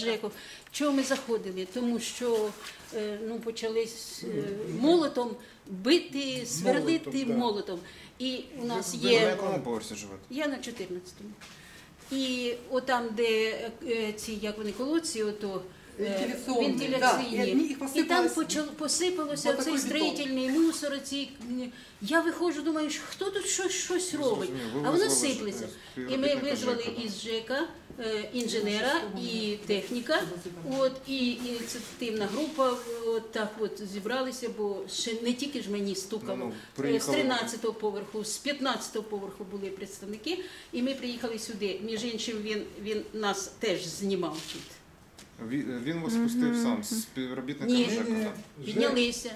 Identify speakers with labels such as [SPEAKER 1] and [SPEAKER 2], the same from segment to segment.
[SPEAKER 1] ЖЕКу. Чого ми заходили? Тому що почали молотом бити, сверлити молотом. І у нас
[SPEAKER 2] Ви на
[SPEAKER 1] є...
[SPEAKER 2] якому поверсі живете?
[SPEAKER 1] Я на 14-му. І отам, де ці, як вони, колодці, ото вентиляційні. І там посипалося цей строїтельний мусор. Я виходжу, думаю, хто тут щось робить? А воно сиплеться. І ми визвали із ЖЕКа інженера і техніка. І ініціативна група так зібралися, бо ще не тільки ж мені стукало. З 13-го поверху, з 15-го поверху були представники. І ми приїхали сюди. Між іншим, він нас теж знімав тут.
[SPEAKER 2] Він вас пустив сам, з співробітниками ЖЕКу?
[SPEAKER 1] Ні, піднялися.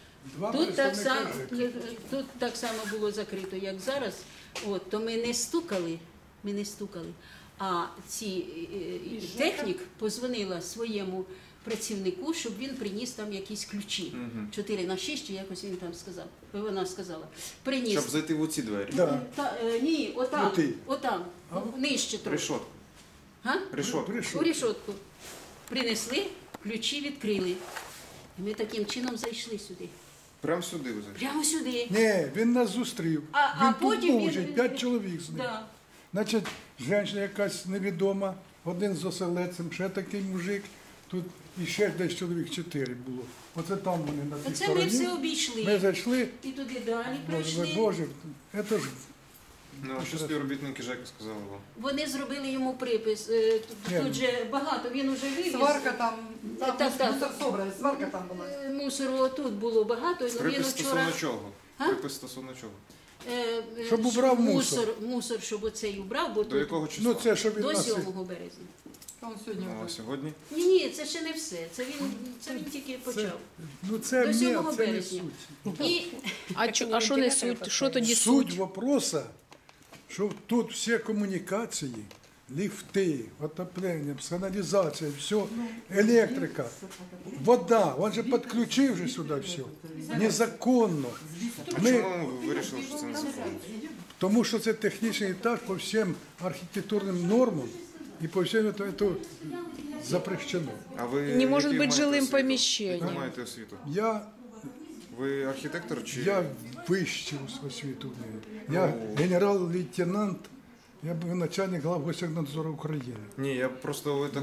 [SPEAKER 1] Тут так само було закрито, як зараз. То ми не стукали. А технік позвонила своєму працівнику, щоб він приніс там якісь ключі. 4/6, чи якось він там сказав. Вона сказала. Приніс.
[SPEAKER 2] Щоб зайти в оці двері?
[SPEAKER 1] Ні, отам, нижче трохи.
[SPEAKER 2] Решотку?
[SPEAKER 1] У решотку. Принесли, ключі відкрили. І ми таким чином зайшли сюди.
[SPEAKER 2] Прямо сюди ви зайшли?
[SPEAKER 1] Прямо сюди.
[SPEAKER 3] Ні, він нас зустрів. Він тут був вже, 5 чоловік з ним.
[SPEAKER 1] Да.
[SPEAKER 3] Значить, жінка якась невідома, один з оселедцем, ще такий мужик. Тут іще десь чоловік 4 було. Оце там вони на тій стороні.
[SPEAKER 1] Це ми все обійшли.
[SPEAKER 3] Ми зайшли.
[SPEAKER 1] І туди далі прийшли.
[SPEAKER 3] Боже, це ж...
[SPEAKER 2] А що співробітники ЖЕКу сказали вам?
[SPEAKER 1] Вони зробили йому припис. Тут же багато, він уже вивіз.
[SPEAKER 4] Сварка там мусор собрали, сварка там була.
[SPEAKER 1] Мусору тут було багато.
[SPEAKER 2] Припис стосовно чого? Припис стосовно чого?
[SPEAKER 3] Щоб убрав мусор.
[SPEAKER 1] Мусор, щоб оцей убрав, бо
[SPEAKER 2] До якого числа?
[SPEAKER 3] Це, що він
[SPEAKER 1] до
[SPEAKER 3] нас...
[SPEAKER 1] 7 березня.
[SPEAKER 2] А сьогодні?
[SPEAKER 1] Ні, це ще не все. Це він тільки почав.
[SPEAKER 3] Це
[SPEAKER 1] до 7
[SPEAKER 3] не
[SPEAKER 1] березня.
[SPEAKER 3] суть.
[SPEAKER 5] А що не суть? Що тоді
[SPEAKER 3] Суть
[SPEAKER 5] суть?
[SPEAKER 3] вопроса, що тут всі комунікації, ліфти, отоплення, каналізація, все, електрика, вода, він же підключив вже сюди все, незаконно.
[SPEAKER 2] Чому ви вирішили, що це незаконно?
[SPEAKER 3] Тому що це технічний етаж по всім архітектурним нормам і по всім це запрещено.
[SPEAKER 2] А ви
[SPEAKER 5] Не може
[SPEAKER 2] який
[SPEAKER 5] бути
[SPEAKER 2] маєте
[SPEAKER 5] жилим
[SPEAKER 2] освіту?
[SPEAKER 5] поміщенням.
[SPEAKER 2] Яку маєте освіту? Ви архітектор чи?
[SPEAKER 3] Я вищу освіту. Я генерал-лейтенант, я був начальник Главгосягнадзору України.
[SPEAKER 2] Ні, я просто ви так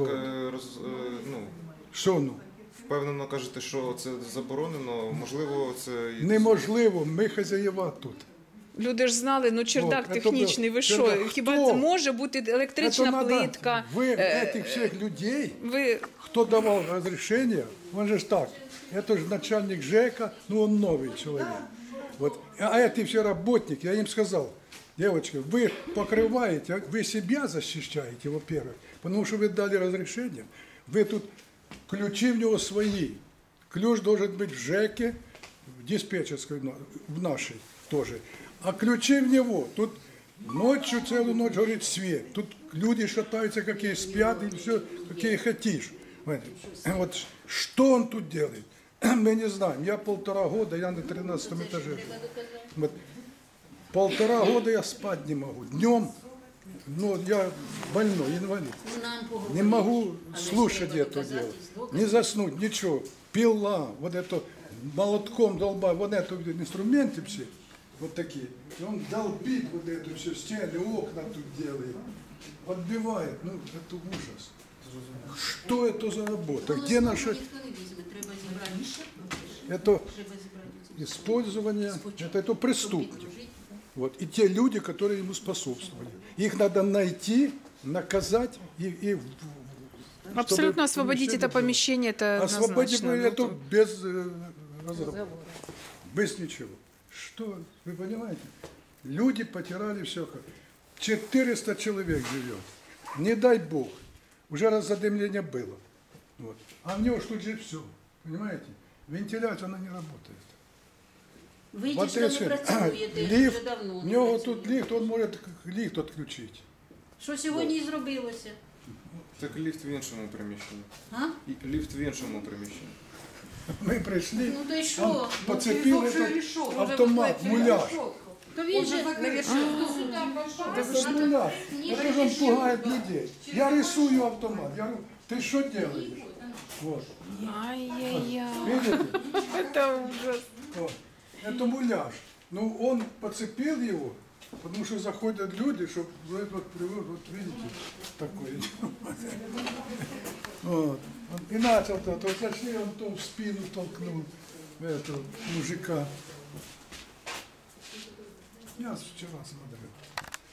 [SPEAKER 3] Що ну?
[SPEAKER 2] впевнено кажете, що це заборонено, можливо, це...
[SPEAKER 3] Неможливо, ми хазяєва тут.
[SPEAKER 5] Люди ж знали, чердак технічний, ви що?
[SPEAKER 3] чердак.
[SPEAKER 5] Хіба
[SPEAKER 3] Хто?
[SPEAKER 5] це може бути електрична плитка?
[SPEAKER 3] Ви, этих всіх людей, хто давав розрішення, він же ж так, это же начальник ЖЭКа, он новый человек. Вот. А эти все работники, я им сказал, девочки, вы покрываете, вы себя защищаете, во-первых, потому что вы дали разрешение, вы тут, ключи в него свои, ключ должен быть в ЖЭКе, в диспетчерской, в нашей тоже, а ключи в него, тут ночью, целую ночь горит свет, тут люди шатаются, какие спят, и все, какие хотишь. Вот что он тут делает? Мы не знаем. Я 1,5 года, я на 13 этаже. Вот. 1,5 года я спать не могу. Днем, я больной, инвалид. Не могу слушать это дело. Не заснуть, ничего. Пила, вот это молотком долбаю, вот это инструменты все, вот такие. И он долбит вот это все, стены, окна тут делает. Отбивает. Это ужас. Что это за работа? Где наша... Это использование, это преступник. Вот. И те люди, которые ему способствовали. Их надо найти, наказать и
[SPEAKER 5] Абсолютно освободить это помещение, это
[SPEAKER 3] освободить
[SPEAKER 5] однозначно.
[SPEAKER 3] это без разговора, без ничего. Что, вы понимаете? Люди потеряли все. 400 человек живет. Не дай Бог. Уже задымление было. Вот. А в него ж тут же все. Понимаете? Вентиляция, она не работает.
[SPEAKER 1] Ви ж там працюєте вже давно.
[SPEAKER 3] У нього тут ліфт, він може ліфт відключити.
[SPEAKER 1] Що сьогодні і зробилося?
[SPEAKER 2] Так ліфт в іншому приміщенні. Ліфт в іншому приміщенні.
[SPEAKER 3] Ми прийшли,
[SPEAKER 1] то й що?
[SPEAKER 3] поцепили автомат, муляж.
[SPEAKER 1] То він же
[SPEAKER 3] Это же муляж. Это же он пугает людей. Я рисую автомат. Я говорю, ты что делаешь? Вот.
[SPEAKER 5] Ай-яй-яй.
[SPEAKER 3] Видите?
[SPEAKER 5] Это ужас.
[SPEAKER 3] Вот. Это муляж. Ну, он подцепил его, потому что заходят люди, чтобы вот привод, вот видите, такой. Вот. И начал то зашли, он то в спину толкнул этого мужика. Я вчера смотрел.